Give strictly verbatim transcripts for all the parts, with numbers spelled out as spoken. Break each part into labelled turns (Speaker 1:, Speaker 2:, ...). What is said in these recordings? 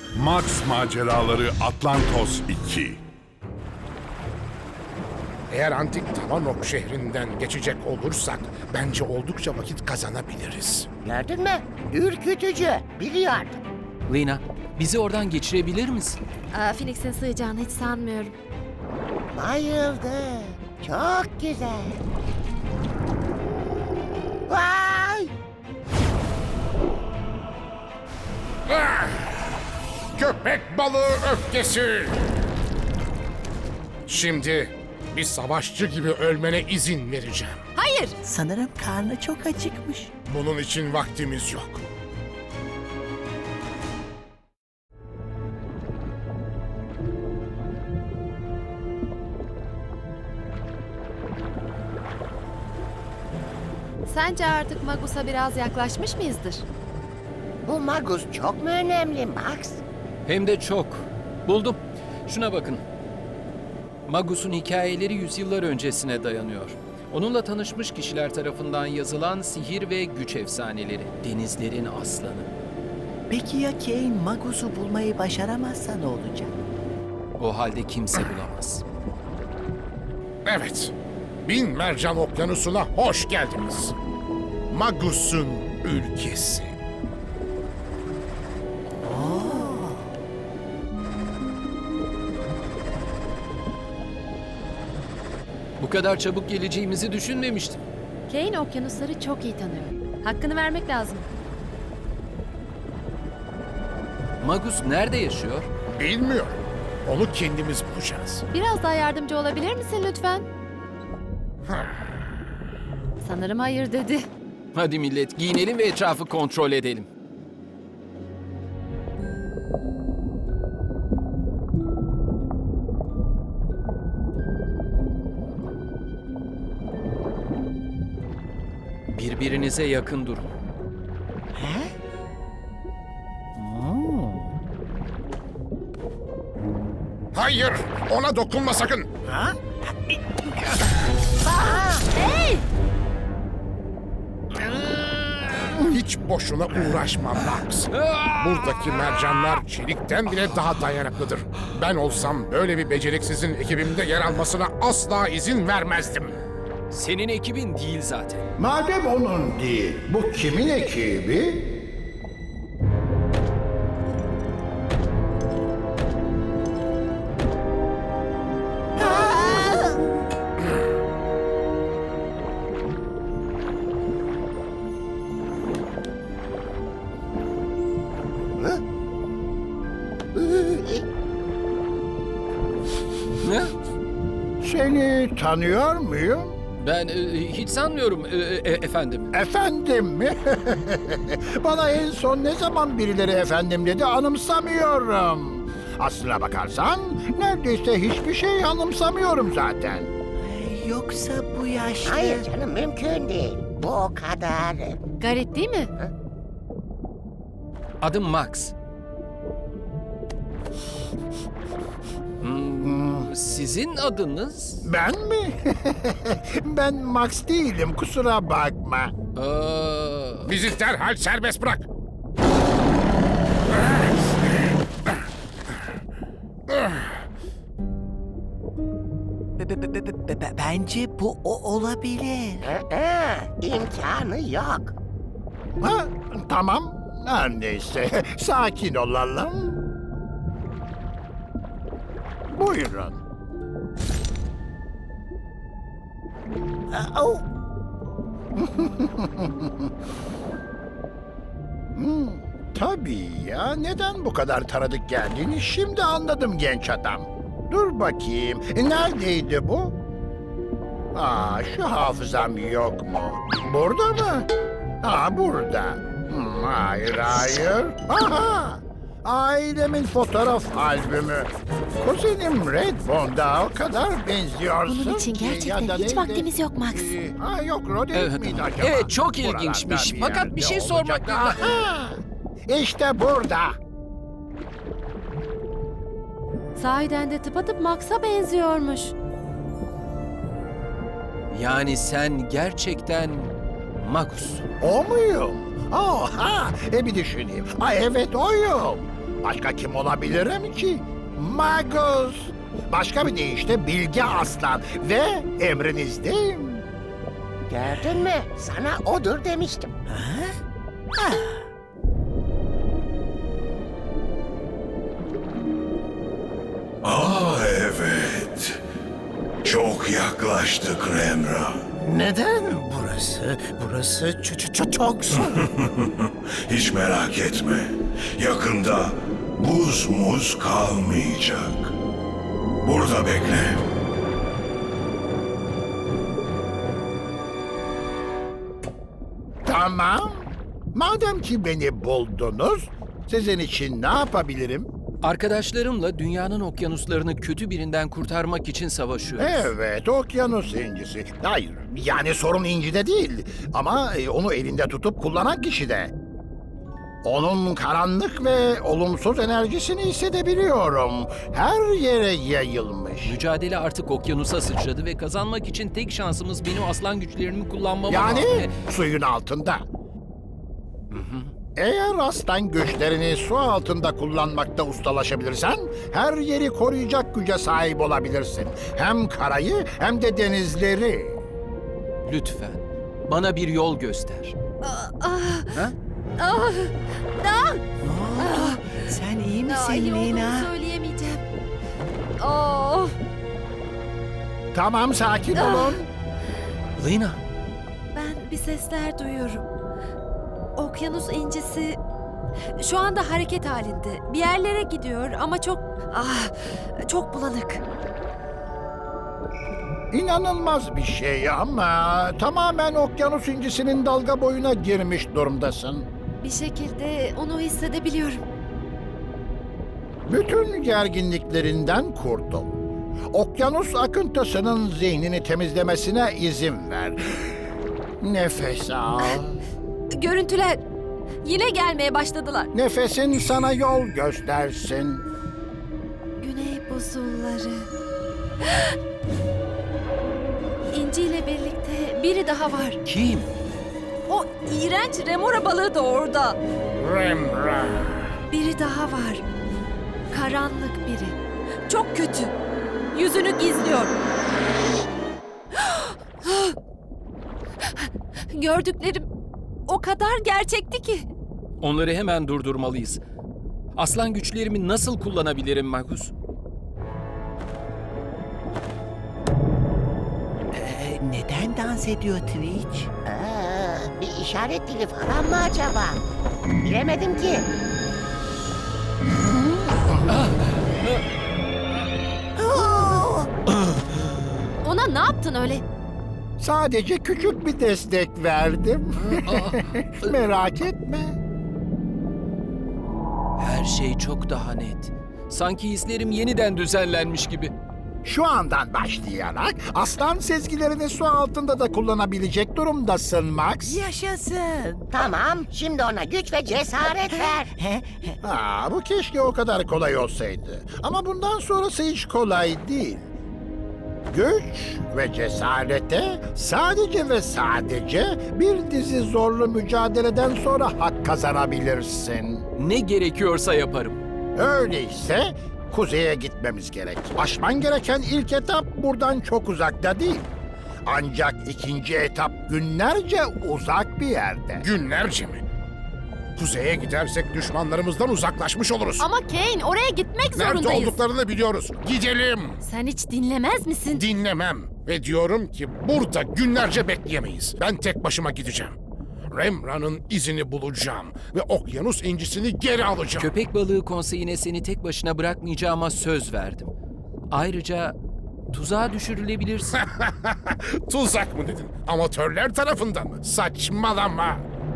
Speaker 1: Max Maceraları Atlantos iki.
Speaker 2: Eğer antik Tavanok şehrinden geçecek olursak bence oldukça vakit kazanabiliriz.
Speaker 3: Gördün mü? Ürkütücü. Biliyordum.
Speaker 4: Lina, bizi oradan geçirebilir misin?
Speaker 5: Aa, Phoenix'in sığacağını hiç sanmıyorum.
Speaker 3: Bayıldı. Çok güzel. Vay!
Speaker 2: Ah! Köpek balığı öfkesi! Şimdi bir savaşçı gibi ölmene izin vereceğim.
Speaker 5: Hayır!
Speaker 3: Sanırım karnı çok acıkmış.
Speaker 2: Bunun için vaktimiz yok.
Speaker 5: Sence artık Magus'a biraz yaklaşmış mıyızdır?
Speaker 3: Bu Magus çok mu önemli Max?
Speaker 4: Hem de çok. Buldum. Şuna bakın. Magus'un hikayeleri yüzyıllar öncesine dayanıyor. Onunla tanışmış kişiler tarafından yazılan sihir ve güç efsaneleri. Denizlerin aslanı.
Speaker 6: Peki ya Kane Magus'u bulmayı başaramazsa ne olacak?
Speaker 4: O halde kimse bulamaz.
Speaker 2: Evet, Bin Mercan Okyanusu'na hoş geldiniz. Magus'un ülkesi.
Speaker 4: Bu kadar çabuk geleceğimizi düşünmemiştim.
Speaker 5: Kane okyanusları çok iyi tanıyor. Hakkını vermek lazım.
Speaker 4: Magus nerede yaşıyor?
Speaker 2: Bilmiyorum. Onu kendimiz bulacağız.
Speaker 5: Biraz daha yardımcı olabilir misin lütfen? Sanırım hayır dedi.
Speaker 4: Hadi millet giyinelim ve etrafı kontrol edelim. Birbirinize yakın durun.
Speaker 2: Hayır, ona dokunma sakın.
Speaker 5: Hey!
Speaker 2: Hiç boşuna uğraşma Max. Buradaki mercanlar çelikten bile daha dayanıklıdır. Ben olsam böyle bir beceriksizin ekibimde yer almasına asla izin vermezdim.
Speaker 4: Senin ekibin değil zaten.
Speaker 7: Madem onun değil, bu kimin ekibi?
Speaker 4: Ne?
Speaker 7: Seni tanıyor muyum?
Speaker 4: Ben e, hiç sanmıyorum e, e, efendim.
Speaker 7: Efendim mi? Bana en son ne zaman birileri efendim dedi anımsamıyorum. Aslına bakarsan neredeyse hiçbir şey anımsamıyorum zaten.
Speaker 6: Ay, Yoksa bu yaşlı...
Speaker 3: Hayır canım mümkün değil. Bu o kadar.
Speaker 5: Garip değil mi?
Speaker 4: Adım Max. Hmm, sizin adınız?
Speaker 7: Ben mi? Ben Max değilim, kusura bakma.
Speaker 4: Aa,
Speaker 2: Bizi derhal serbest bırak.
Speaker 6: Be- be- be- be- be- be- Bence bu o olabilir.
Speaker 3: Aa, imkanı yok.
Speaker 7: Ha, tamam, her neyse, sakin olalım. Buyurun.
Speaker 3: Aa, oh.
Speaker 7: Hmm, tabii ya, neden bu kadar tanıdık geldiğini şimdi anladım genç adam. Dur bakayım, neredeydi bu? Aa, şu hafızam yok mu? Burada mı? Ha, burada. Hmm, hayır, hayır. Aha! Ailemin fotoğraf albümü. Kuzenim Red Bond'a o kadar benziyorsun
Speaker 5: Bunun için
Speaker 7: ki,
Speaker 5: gerçekten
Speaker 7: ya da
Speaker 5: hiç
Speaker 7: neydi?
Speaker 5: vaktimiz yok Max.
Speaker 7: Ee, Ha yok, Roderick
Speaker 4: Evet,
Speaker 7: miydi acaba?
Speaker 4: evet, çok
Speaker 7: Buralarda
Speaker 4: ilginçmiş.
Speaker 7: bir
Speaker 4: Fakat bir
Speaker 7: yerde
Speaker 4: şey sormak
Speaker 7: olacak.
Speaker 4: lazım.
Speaker 7: Aha! İşte burada.
Speaker 5: Sahiden de tıpatıp Max'a benziyormuş.
Speaker 4: yani sen gerçekten Magus.
Speaker 7: O muyum? Oha! E bir düşüneyim. Ay evet oyum. Başka kim olabilirim ki? Magus. Başka bir deyişle Bilge Aslan ve emrinizdeyim.
Speaker 3: Gördün mü? Sana odur demiştim.
Speaker 8: Aa evet. Çok yaklaştık Remra.
Speaker 9: Neden burası? Burası ç- ç- ç- çok soğuk.
Speaker 8: Hiç merak etme. Yakında buz muz kalmayacak. Burada bekle.
Speaker 7: Tamam. Madem ki beni buldunuz, sizin için ne yapabilirim?
Speaker 4: Arkadaşlarımla dünyanın okyanuslarını kötü birinden kurtarmak için savaşıyoruz.
Speaker 7: Evet, okyanus incisi. Hayır, yani sorun incide değil. Ama e, onu elinde tutup kullanan kişide. Onun karanlık ve olumsuz enerjisini hissedebiliyorum. Her yere yayılmış.
Speaker 4: Mücadele artık okyanusa sıçradı ve kazanmak için tek şansımız benim aslan güçlerimi kullanmam.
Speaker 7: Yani
Speaker 4: Ve-
Speaker 7: suyun altında. Eğer aslan güçlerini su altında kullanmakta ustalaşabilirsen, her yeri koruyacak güce sahip olabilirsin. Hem karayı hem de denizleri.
Speaker 4: Lütfen bana bir yol göster.
Speaker 5: Ah,
Speaker 6: Ne oldu? Sen iyi misin
Speaker 5: Aa, iyi olduğumu
Speaker 6: Lina?
Speaker 5: söyleyemeyeceğim. Oh,
Speaker 7: Tamam, sakin olun.
Speaker 4: Lina,
Speaker 5: ben bir sesler duyuyorum. Okyanus incisi şu anda hareket halinde. Bir yerlere gidiyor ama çok ah çok bulanık.
Speaker 7: İnanılmaz bir şey ama tamamen okyanus incisinin dalga boyuna girmiş durumdasın.
Speaker 5: Bir şekilde onu hissedebiliyorum.
Speaker 7: Bütün gerginliklerinden kurtul. Okyanus akıntısının zihnini temizlemesine izin ver. Nefes al.
Speaker 5: Görüntüler yine gelmeye başladılar.
Speaker 7: Nefesin sana yol göstersin.
Speaker 5: Güney buzulları. İnci ile birlikte biri daha var.
Speaker 4: kim?
Speaker 5: O iğrenç remora balığı da orada.
Speaker 2: Remra.
Speaker 5: Biri daha var. Karanlık biri. Çok kötü. Yüzünü gizliyor. Gördüklerim o kadar gerçekti ki.
Speaker 4: Onları hemen durdurmalıyız. Aslan güçlerimi nasıl kullanabilirim Magus?
Speaker 6: Ee, neden dans ediyor Twitch?
Speaker 3: Aa, bir işaret dili falan mı acaba? Bilemedim ki.
Speaker 5: Ona ne yaptın öyle?
Speaker 7: Sadece küçük bir destek verdim. Merak etme.
Speaker 4: Her şey çok daha net. Sanki hislerim yeniden düzenlenmiş gibi.
Speaker 7: Şu andan başlayarak aslan sezgilerini su altında da kullanabilecek durumdasın Max.
Speaker 6: Yaşasın.
Speaker 3: Tamam, şimdi ona güç ve cesaret ver.
Speaker 7: Ha, bu keşke o kadar kolay olsaydı. Ama bundan sonrası hiç kolay değil. Güç ve cesarete sadece ve sadece bir dizi zorlu mücadeleden sonra hak kazanabilirsin.
Speaker 4: Ne gerekiyorsa yaparım.
Speaker 7: Öyleyse kuzeye gitmemiz gerek. Aşman gereken ilk etap buradan çok uzakta değil. Ancak ikinci etap günlerce uzak bir yerde.
Speaker 2: Günlerce mi? Kuzeye gidersek düşmanlarımızdan uzaklaşmış oluruz.
Speaker 5: Ama Kane oraya gitmek
Speaker 2: Nerede
Speaker 5: zorundayız.
Speaker 2: olduklarını biliyoruz. Gidelim.
Speaker 5: Sen hiç dinlemez misin?
Speaker 2: Dinlemem. Ve diyorum ki burada günlerce bekleyemeyiz. Ben tek başıma gideceğim. Remra'nın izini bulacağım. Ve okyanus incisini geri alacağım.
Speaker 4: Köpek balığı konseyine seni tek başına bırakmayacağıma söz verdim. Ayrıca tuzağa düşürülebilirsin.
Speaker 2: Tuzak mı dedin? Amatörler tarafından mı? Saçmalama.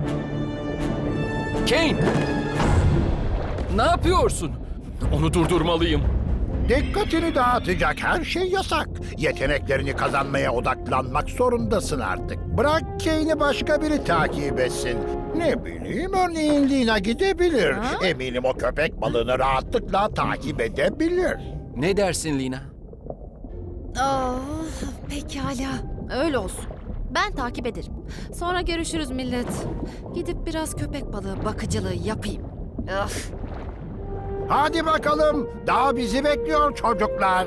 Speaker 4: Kane! Ne yapıyorsun? Onu durdurmalıyım.
Speaker 7: Dikkatini dağıtacak her şey yasak. Yeteneklerini kazanmaya odaklanmak zorundasın artık. Bırak Kane'i başka biri takip etsin. Ne bileyim, örneğin Lina gidebilir. Eminim o köpek balığını rahatlıkla takip edebilir.
Speaker 4: Ne dersin Lina?
Speaker 5: Oh, pekala. Öyle olsun. Ben takip ederim. Sonra görüşürüz millet. Gidip biraz köpek balığı bakıcılığı yapayım. Öf.
Speaker 7: Hadi bakalım, daha bizi bekliyor çocuklar.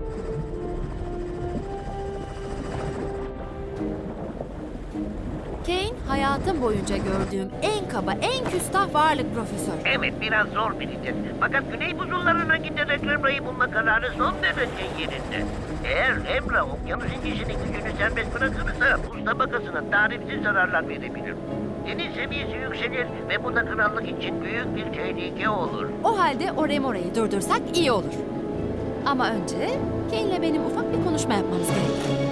Speaker 5: Kane, hayatım boyunca gördüğüm en kaba, en küstah varlık profesör.
Speaker 3: Evet, biraz zor biridir. Fakat Güney Buzulları'na giderek Remra'yı bulma kararı son derece yerinde. Eğer Remra okyanus incisinin gücünü serbest bırakırsa buz tabakasına tarifsiz zararlar verebilir. Deniz seviyesi yükselir ve bu da krallık için büyük bir tehlike olur.
Speaker 5: O halde o Remora'yı durdursak iyi olur. Ama önce Kane'le benim ufak bir konuşma yapmamız gerekir.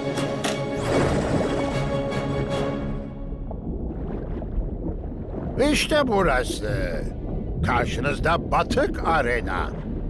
Speaker 7: İşte burası. Karşınızda Batık Arena.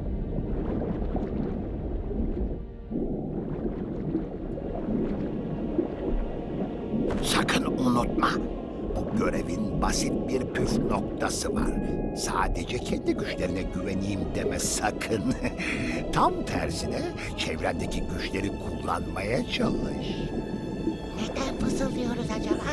Speaker 7: Sakın unutma. Bu görevin basit bir püf noktası var. Sadece kendi güçlerine güveneyim deme sakın. Tam tersine çevrendeki güçleri kullanmaya çalış.
Speaker 3: Neden fısıldıyoruz acaba?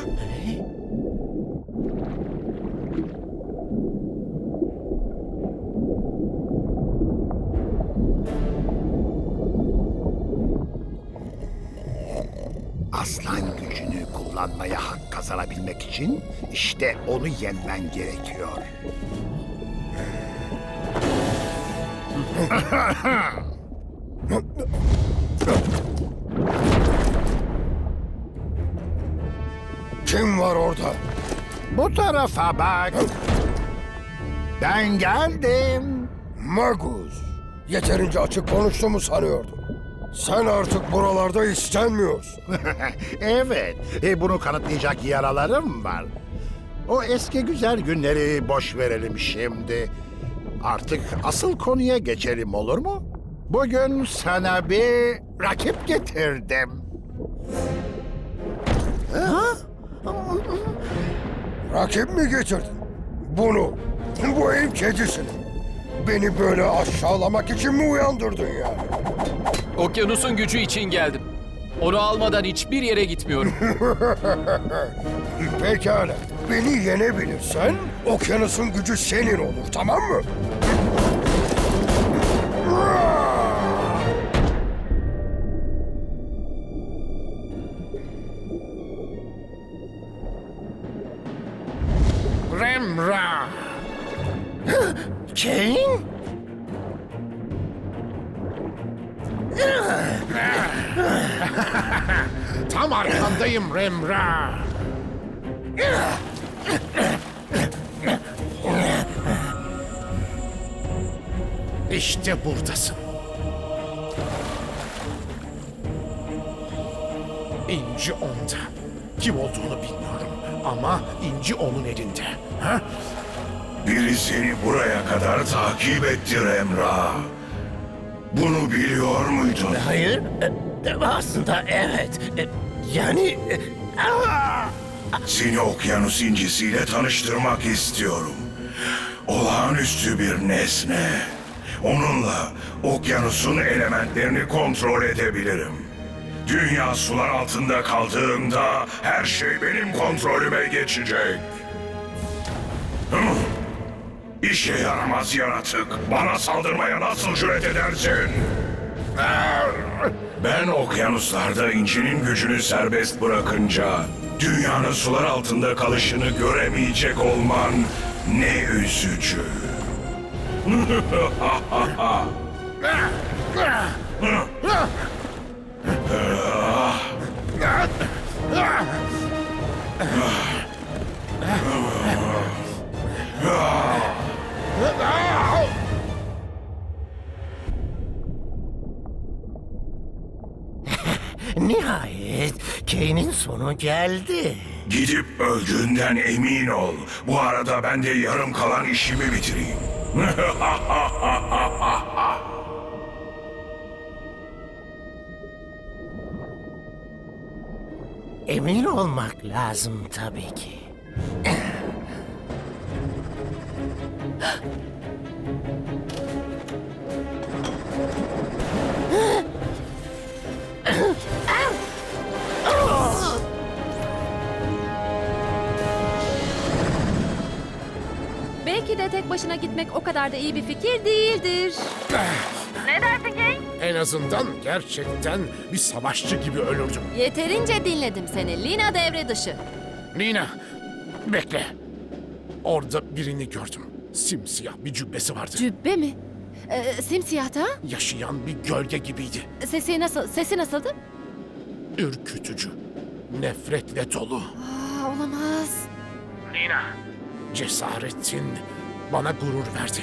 Speaker 7: Aslan gücünü kullanmaya hak kazanabilmek için işte onu yenmen gerekiyor.
Speaker 2: Kim var orada?
Speaker 7: Bu tarafa bak. Ben geldim.
Speaker 2: Magus. Yeterince açık konuştuğumu sanıyordum. Sen artık buralarda istenmiyorsun.
Speaker 7: Evet, e, bunu kanıtlayacak yaralarım var. O eski güzel günleri boş verelim şimdi. Artık asıl konuya geçelim, olur mu? Bugün sana bir rakip getirdim.
Speaker 2: Rakip mi getirdin? Bunu, bu ev kedisini. Beni böyle aşağılamak için mi uyandırdın ya?
Speaker 4: Okyanusun gücü için geldim. Onu almadan hiçbir yere gitmiyorum.
Speaker 2: Pekala, beni yenebilirsen okyanusun gücü senin olur, tamam mı? Remra!
Speaker 9: Kane?
Speaker 2: Tam arkandayım Remra! İşte buradasın. İnci onda. Kim olduğunu bilmiyorum ama inci onun elinde. Ha?
Speaker 8: Biri seni buraya kadar takip etti Remra. Bunu biliyor muydun?
Speaker 9: Hayır. e, Aslında evet. E, Yani... e, aa!
Speaker 8: Seni okyanus incisiyle tanıştırmak istiyorum. Olağanüstü bir nesne. Onunla okyanusun elementlerini kontrol edebilirim. Dünya sular altında kaldığında her şey benim kontrolüme geçecek. Hı? İşe yaramaz yaratık. Bana saldırmaya nasıl cüret edersin? Ben okyanuslarda incinin gücünü serbest bırakınca dünyanın sular altında kalışını göremeyecek olman ne üzücü.
Speaker 9: Nihayet Kane'in sonu geldi.
Speaker 8: Gidip öldüğünden emin ol. Bu arada ben de yarım kalan işimi bitireyim.
Speaker 9: Emin olmak lazım tabii ki.
Speaker 5: Belki de tek başına gitmek o kadar da iyi bir fikir değildir. Ne dersin Kane?
Speaker 2: En azından gerçekten bir savaşçı gibi ölürdüm.
Speaker 5: Yeterince dinledim seni. Lina devre dışı.
Speaker 2: Lina, bekle. Orada birini gördüm. Simsiyah bir cübbesi vardı.
Speaker 5: Cübbe mi? Ee, simsiyah da?
Speaker 2: Yaşayan bir gölge gibiydi.
Speaker 5: Sesi nasıl? Sesi nasıldı?
Speaker 2: Ürkütücü. Nefretle dolu.
Speaker 5: Aa, olamaz.
Speaker 2: Lina, cesaretin bana gurur verdi.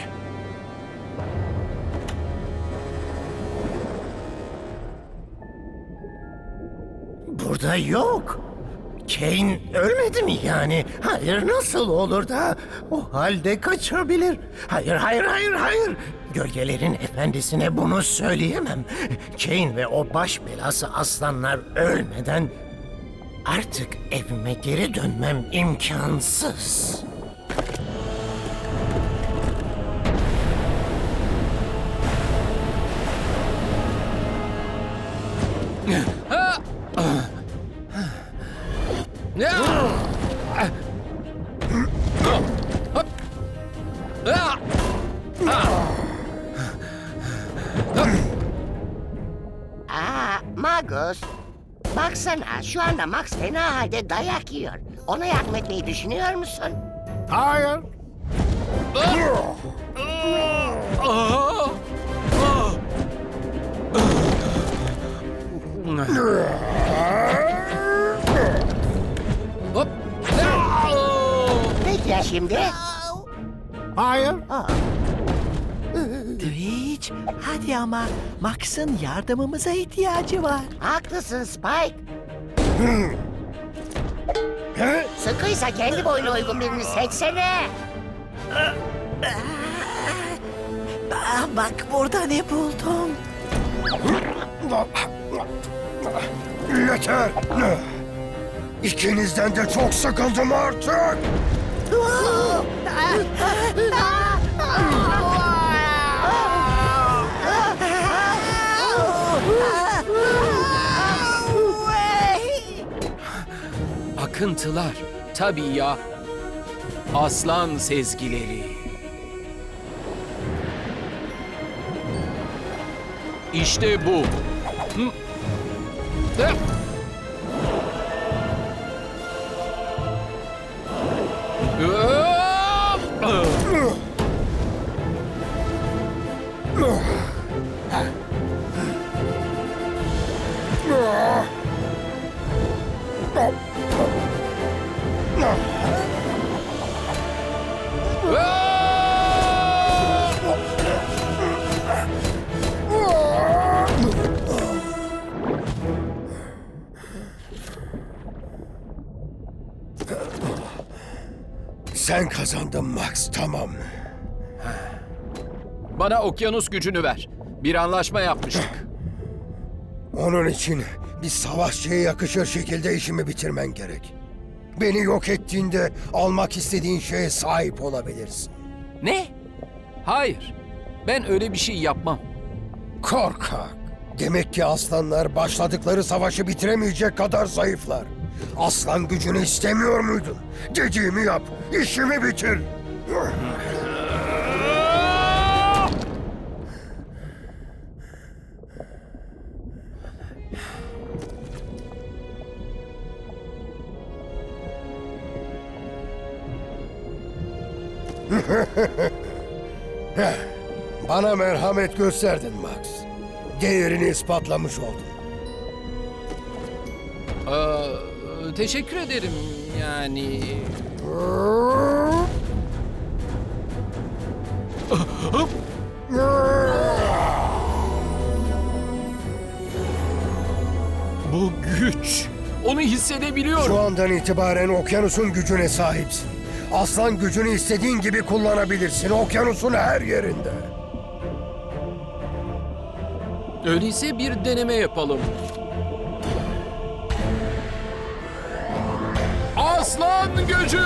Speaker 9: Burada yok. Kane ölmedi mi yani? Hayır, nasıl olur da o halde kaçabilir? Hayır, hayır, hayır, hayır. Gölgelerin efendisine bunu söyleyemem. Kane ve o baş belası aslanlar ölmeden artık evime geri dönmem imkansız.
Speaker 3: Aa, Magus. Baksana şu anda Max fena halde dayak yiyor. Ona yardım etmeyi düşünüyor musun?
Speaker 7: Hayır.
Speaker 4: Hop.
Speaker 3: Peki ya şimdi?
Speaker 7: Hayır.
Speaker 6: Twitch, hadi ama Max'ın yardımımıza ihtiyacı var.
Speaker 3: Haklısın Spike. Sıkıysa kendi boyuna uygun birini seçsene.
Speaker 6: Aa, bak burada ne buldum.
Speaker 8: Yeter! İkinizden de çok sıkıldım artık!
Speaker 4: Akıntılar. Tabii ya. Aslan sezgileri. İşte bu. Hı. Hı. Hop!
Speaker 8: Sen kazandın Max, tamam.
Speaker 4: Bana okyanus gücünü ver. Bir anlaşma yapmıştık.
Speaker 8: Onun için bir savaşçıya yakışır şekilde işimi bitirmen gerek. Beni yok ettiğinde almak istediğin şeye sahip olabilirsin.
Speaker 4: Ne? Hayır. Ben öyle bir şey yapmam.
Speaker 8: Korkak. Demek ki aslanlar başladıkları savaşı bitiremeyecek kadar zayıflar. Aslan gücünü istemiyor muydun? Dediğimi yap, işimi bitir. Bana merhamet gösterdin Max. Değerini ispatlamış oldun.
Speaker 4: Ee, teşekkür ederim yani. Bu güç. Onu hissedebiliyorum.
Speaker 8: Şu andan itibaren okyanusun gücüne sahipsin. Aslan gücünü istediğin gibi kullanabilirsin. Okyanusun her yerinde.
Speaker 4: Öyleyse bir deneme yapalım. Aslan gücü!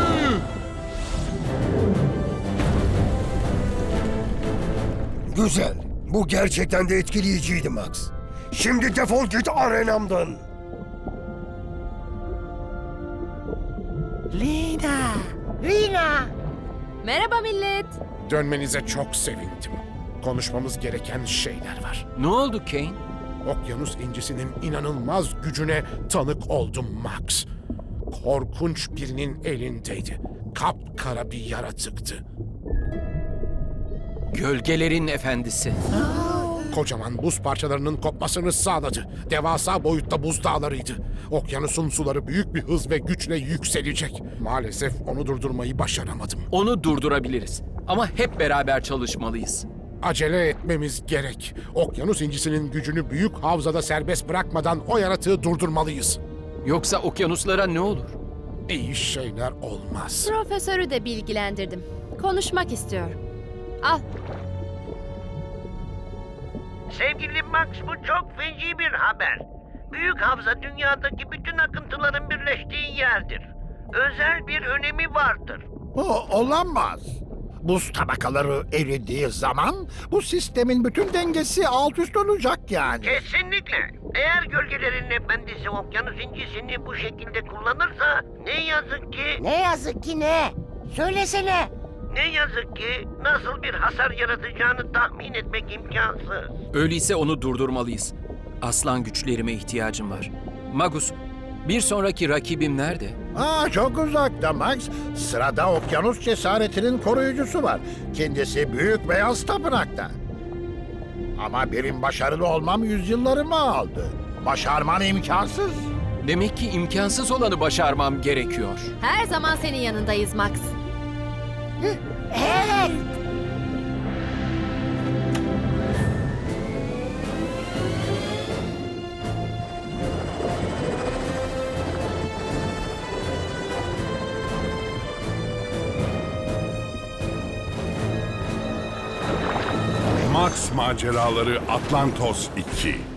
Speaker 8: Güzel. Bu gerçekten de etkileyiciydi Max. Şimdi defol git arenamdan.
Speaker 6: Lina.
Speaker 3: Rina!
Speaker 5: Merhaba millet.
Speaker 2: Dönmenize çok sevindim. Konuşmamız gereken şeyler var.
Speaker 4: Ne oldu Kane?
Speaker 2: Okyanus incisinin inanılmaz gücüne tanık oldum Max. Korkunç birinin elindeydi. Kapkara bir yaratıktı.
Speaker 4: Gölgelerin efendisi.
Speaker 2: Kocaman buz parçalarının kopmasını sağladı. Devasa boyutta buzdağlarıydı. Okyanusun suları büyük bir hız ve güçle yükselecek. Maalesef onu durdurmayı başaramadım.
Speaker 4: Onu durdurabiliriz. Ama hep beraber çalışmalıyız.
Speaker 2: Acele etmemiz gerek. Okyanus incisinin gücünü büyük havzada serbest bırakmadan o yaratığı durdurmalıyız.
Speaker 4: Yoksa okyanuslara ne olur?
Speaker 2: İyi şeyler olmaz.
Speaker 5: Profesörü de bilgilendirdim. Konuşmak istiyor. Al.
Speaker 3: Sevgili Max, bu çok feci bir haber. Büyük havza dünyadaki bütün akıntıların birleştiği yerdir. Özel bir önemi vardır.
Speaker 7: O olamaz. Buz tabakaları eridiği zaman bu sistemin bütün dengesi alt üst olacak yani.
Speaker 3: Kesinlikle. Eğer gölgelerin efendisi okyanus incisini bu şekilde kullanırsa ne yazık ki...
Speaker 10: Ne yazık ki ne? Söylesene.
Speaker 3: Ne yazık ki nasıl bir hasar yaratacağını tahmin etmek imkansız.
Speaker 4: Öyleyse onu durdurmalıyız. Aslan güçlerime ihtiyacım var. Magus, bir sonraki rakibim nerede?
Speaker 7: Aa, çok uzakta Max. Sırada okyanus cesaretinin koruyucusu var. Kendisi büyük beyaz tapınakta. Ama benim başarılı olmam yüzyıllarımı aldı. Başarman imkansız.
Speaker 4: Demek ki imkansız olanı başarmam gerekiyor.
Speaker 5: Her zaman senin yanındayız Max.
Speaker 10: Evet.
Speaker 1: Max Maceraları Atlantos iki.